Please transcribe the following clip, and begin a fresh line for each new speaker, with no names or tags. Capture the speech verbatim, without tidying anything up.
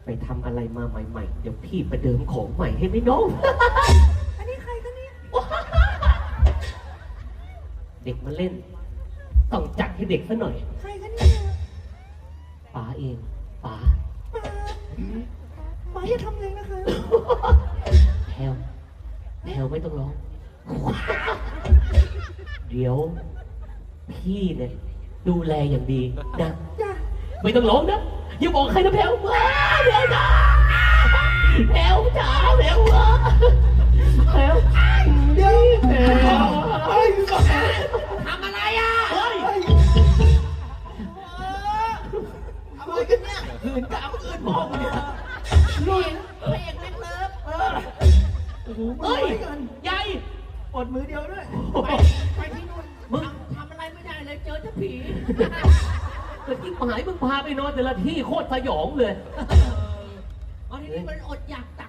ไปทำอะไรมาใหม่ๆเดี๋ยวพี่ประเดิมของใหม่ให้ไหมน้อง
อันนี้ใครกันเนี่ย
เด็กมาเล่น ต้องจัดให้เด็กซะหน่อย
ใครกันเนี่ย
ป๋าเองป๋า
ป้าป้าอย่าทำเลยนะคะ
แพลวแพลวไม่ต้องร้อง เดี๋ยว พี่เนี่ยดูแลอย่างดีนะ
จ้ะ
ไม่ต้องร้องนะอย่าบอกใครนะแพลวว้าแพลวจ๋าแพลวจ๋าแพลวว้าแพลว
เดี๋ยว
แพลว
เฮ้ย
ทำอะไรอ่ะ
เฮ้ย
อะไรกันเนี่ย
หืนกามอื่นมองเนี่ย
นี่พระเอกเล็กเลิฟ
เออโอ้โหมือ
เฮ้ย
ไว้กัน
ใหญ่
อดมือเดียวด้วย
ไปไปที่นู่นมึงทำอะไรไม่ได้เลยเจอเจ้าผี
เมื่อกี้หายมึงพาไปนอนแต่ละที่โคตรสยองเลย
เอาทีนี้มันอดอยากต